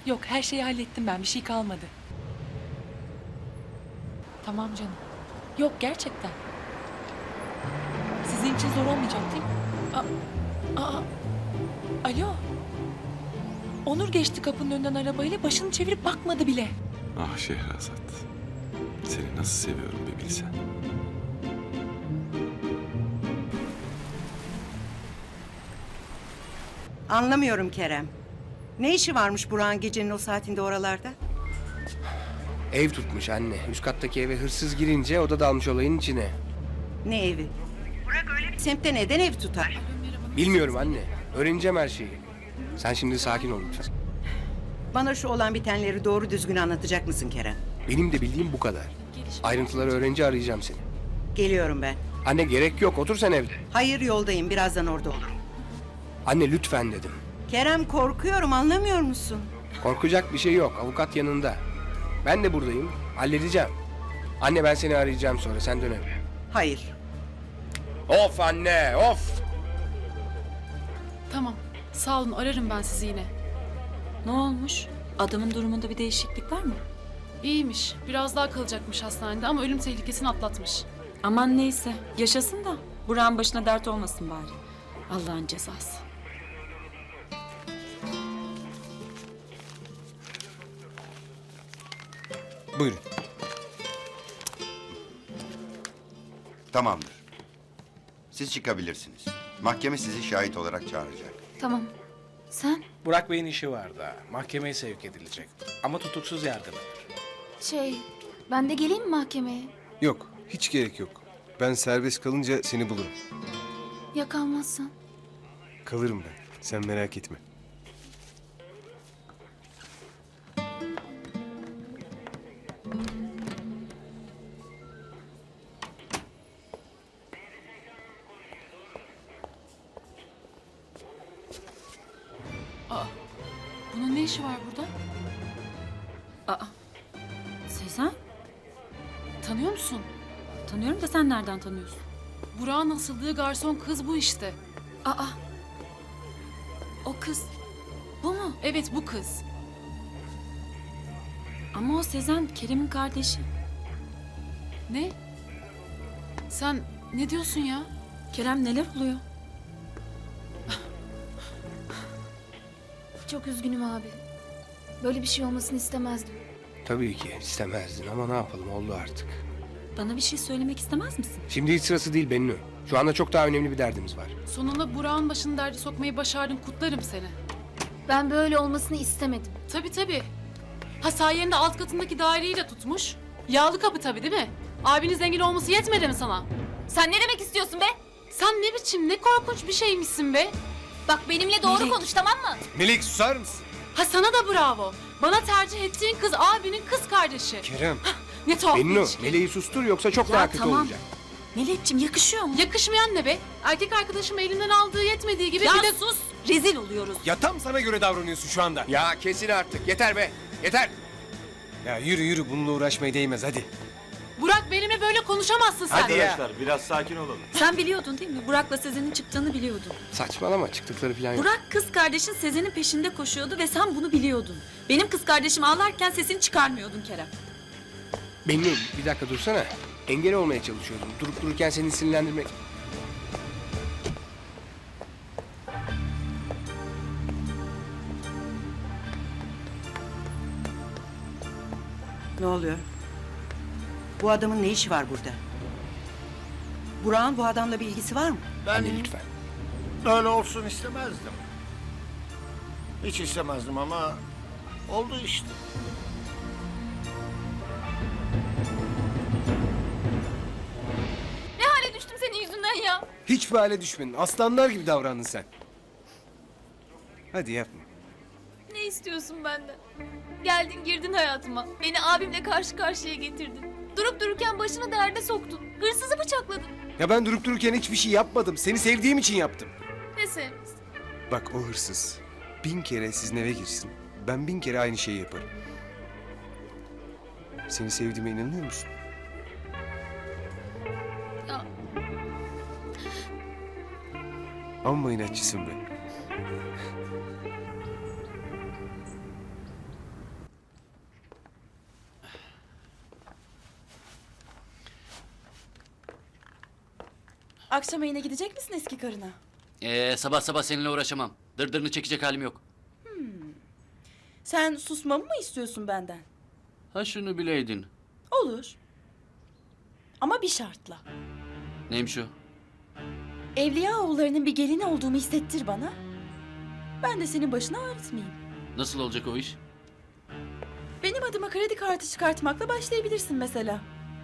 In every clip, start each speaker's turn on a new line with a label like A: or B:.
A: Yok, her şeyi hallettim ben. Bir şey kalmadı. Tamam canım. Yok, gerçekten. Sizin için zor olmayacak değil mi? Alo. Onur geçti kapının önünden arabayla, başını çevirip bakmadı bile.
B: Ah Şehrazat. Seni nasıl seviyorum bir bilsen.
C: Anlamıyorum Kerem. Ne işi varmış Burak'ın gecenin o saatinde oralarda?
D: Ev tutmuş anne. Üst kattaki eve hırsız girince o da dalmış olayın içine.
C: Ne evi? Burak öyle bir semtte neden ev tutar?
D: Bilmiyorum anne. Öğreneceğim her şeyi. Sen şimdi sakin ol lütfen.
C: Bana şu olan bitenleri doğru düzgün anlatacak mısın Kerem?
D: Benim de bildiğim bu kadar. Ayrıntıları öğrenince arayacağım seni.
C: Geliyorum ben.
D: Anne gerek yok. Otur sen evde.
C: Hayır, yoldayım. Birazdan orada olurum.
D: Anne lütfen dedim.
C: Kerem, korkuyorum, anlamıyor musun?
D: Korkacak bir şey yok. Avukat yanında. Ben de buradayım. Halledeceğim. Anne ben seni arayacağım sonra. Sen dön eve.
C: Hayır.
D: Of anne of.
E: Tamam. Sağ olun, ararım ben sizi yine.
F: Ne olmuş? Adamın durumunda bir değişiklik var mı?
E: İyiymiş. Biraz daha kalacakmış hastanede ama ölüm tehlikesini atlatmış.
F: Aman neyse. Yaşasın da Burak'ın başına dert olmasın bari. Allah'ın cezası.
G: Buyurun.
H: Tamamdır. Siz çıkabilirsiniz. Mahkeme sizi şahit olarak çağıracak.
I: Tamam. Sen?
J: Burak Bey'in işi var da mahkemeye sevk edilecek. Ama tutuksuz yargılanır.
I: Ben de geleyim mi mahkemeye?
G: Yok, hiç gerek yok. Ben serbest kalınca seni bulurum.
I: Ya kalmazsan?
G: Kalırım ben. Sen merak etme.
E: Bunun ne işi var burada?
F: Sezen?
E: Tanıyor musun?
F: Tanıyorum da sen nereden tanıyorsun?
E: Burak'ın asıldığı garson kız bu işte.
F: O kız. Bu mu?
E: Evet, bu kız.
F: Ama o Sezen Kerem'in kardeşi.
E: Ne? Sen ne diyorsun ya?
F: Kerem neler oluyor?
I: Çok üzgünüm abi. Böyle bir şey olmasını istemezdim.
D: Tabii ki istemezdin ama ne yapalım, oldu artık.
F: Bana bir şey söylemek istemez misin?
D: Şimdi hiç sırası değil Bennu. Şu anda çok daha önemli bir derdimiz var.
E: Sonunda Burak'ın başını derde sokmayı başardın, kutlarım seni.
I: Ben böyle olmasını istemedim.
E: Tabii tabii. Ha, sayende alt katındaki daireyi de tutmuş. Yağlı kapı tabii değil mi? Abinin zengin olması yetmedi mi sana?
I: Sen ne demek istiyorsun be?
E: Sen ne biçim, ne korkunç bir şeymişsin be.
I: Bak benimle doğru
F: Melek.
I: konuş, tamam mı?
G: Melek susar mısın?
E: Ha, sana da bravo. Bana tercih ettiğin kız abinin kız kardeşi.
G: Kerem.
E: Ne tuhaf bir
D: Bennu,
E: ilişki.
D: Meleği sustur yoksa çok
F: Ya
D: daha kötü
F: tamam.
D: olacak.
F: Melek'ciğim yakışıyor mu?
E: Yakışmayan ne be? Erkek arkadaşım elinden aldığı yetmediği gibi
F: Ya
E: bir de...
F: sus! Rezil oluyoruz.
G: Ya tam sana göre davranıyorsun şu anda.
D: Ya kesin artık. Yeter be. Yeter.
G: Ya yürü yürü, bununla uğraşmaya değmez hadi.
E: Burak, benimle böyle konuşamazsın sen.
D: Hadi ya.
B: Arkadaşlar biraz sakin olalım.
F: Sen biliyordun değil mi? Burak'la Sezen'in çıktığını biliyordun.
D: Saçmalama, çıktıkları falan yok.
F: Burak kız kardeşin Sezen'in peşinde koşuyordu ve sen bunu biliyordun. Benim kız kardeşim ağlarken sesini çıkarmıyordun Kerem.
D: Bennu bir dakika dursana. Engel olmaya çalışıyordum. Durup dururken seni sinirlendirmek...
C: Ne oluyor? Bu adamın ne işi var burada? Burak'ın bu adamla bir ilgisi var mı?
D: Anne lütfen.
K: Öyle olsun istemezdim. Hiç istemezdim ama oldu işte.
I: Ne hale düştüm senin yüzünden ya?
G: Hiçbir hale düşmedin. Aslanlar gibi davrandın sen. Hadi yapma.
I: Ne istiyorsun benden? Geldin girdin hayatıma. Beni abimle karşı karşıya getirdin. Durup dururken başını derde soktun. Hırsızı bıçakladın.
G: Ya ben durup dururken hiçbir şey yapmadım. Seni sevdiğim için yaptım.
I: Ne sevmişsin?
G: Bak o hırsız 1000 kere sizin eve girsin. Ben 1000 kere aynı şeyi yaparım. Seni sevdiğime inanıyor musun?
I: Ya
G: Amma inatçısın be.
F: Akşam yine gidecek misin eski karına?
L: Sabah sabah seninle uğraşamam. Dırdırını çekecek halim yok.
F: Sen susmamı mı istiyorsun benden?
L: Ha şunu bileydin.
F: Olur. Ama bir şartla.
L: Neymiş o?
F: Evliyaoğullarının bir gelini olduğumu hissettir bana. Ben de senin başını ağrıtmayayım.
L: Nasıl olacak o iş?
F: Benim adıma kredi kartı çıkartmakla başlayabilirsin mesela.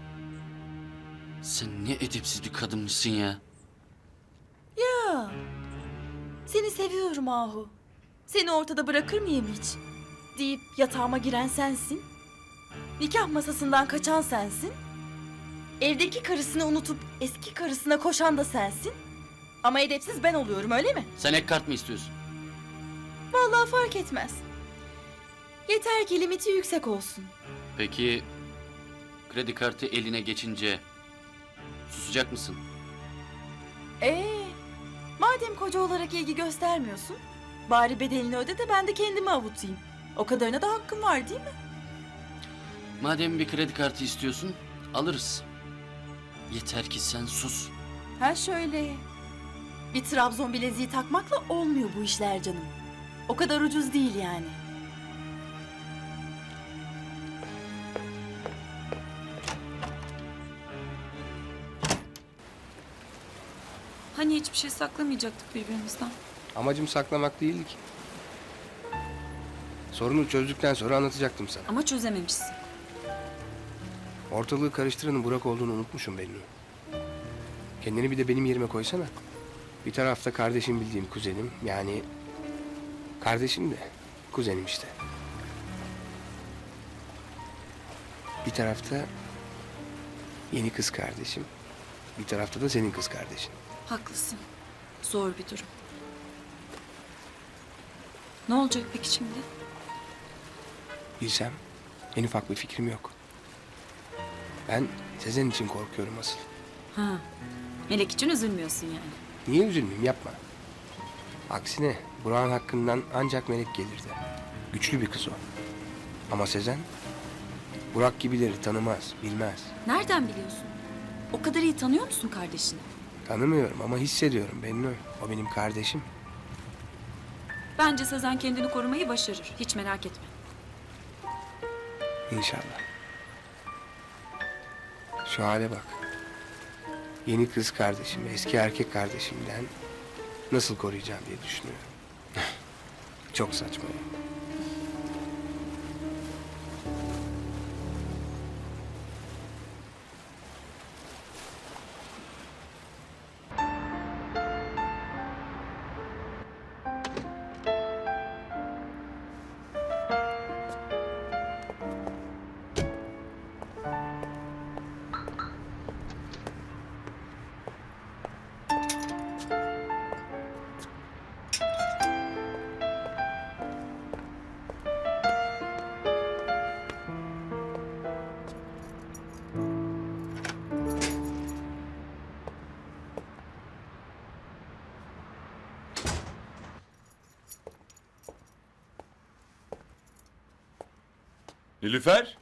L: Sen ne edepsiz bir kadınmışsın ya.
F: Ya. Seni seviyorum Ahu. Seni ortada bırakır mıyım hiç? Deyip yatağıma giren sensin. Nikah masasından kaçan sensin. Evdeki karısını unutup eski karısına koşan da sensin. Ama edepsiz ben oluyorum öyle mi?
L: Sen ek kart mı istiyorsun?
F: Vallahi fark etmez. Yeter ki limiti yüksek olsun.
L: Peki kredi kartı eline geçince susacak mısın?
F: Madem koca olarak ilgi göstermiyorsun, bari bedelini öde de ben de kendimi avutayım. O kadarına da hakkım var değil mi?
L: Madem bir kredi kartı istiyorsun alırız. Yeter ki sen sus.
F: Ha şöyle. Bir Trabzon bileziği takmakla olmuyor bu işler canım. O kadar ucuz değil yani.
E: Hani hiçbir şey saklamayacaktık birbirimizden?
D: Amacım saklamak değildi ki. Sorunu çözdükten sonra anlatacaktım sana.
F: Ama çözememişsin.
D: Ortalığı karıştıranın Burak olduğunu unutmuşum Bennu. Kendini bir de benim yerime koysana. Bir tarafta kardeşim bildiğim kuzenim, yani kardeşim de kuzenim işte. Bir tarafta yeni kız kardeşim, bir tarafta da senin kız kardeşin.
F: Haklısın. Zor bir durum. Ne olacak peki şimdi?
D: Bilsem en ufak bir fikrim yok. Ben Sezen için korkuyorum asıl.
F: Ha. Melek için üzülmüyorsun yani.
D: Niye üzülmeyeyim, yapma. Aksine Burak'ın hakkından ancak Melek gelirdi. Güçlü bir kız o. Ama Sezen Burak gibileri tanımaz, bilmez.
F: Nereden biliyorsun? O kadar iyi tanıyor musun kardeşini?
D: Tanımıyorum ama hissediyorum Bennu. O benim kardeşim.
F: Bence Sezen kendini korumayı başarır. Hiç merak etme.
D: İnşallah. Şu hale bak. Yeni kız kardeşimi eski erkek kardeşimden nasıl koruyacağım diye düşünüyorum. Çok saçma ya.
B: Nilüfer?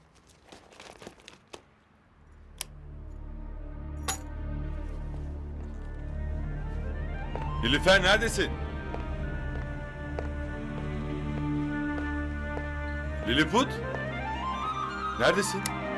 B: Nilüfer neredesin? Lilliput? Neredesin?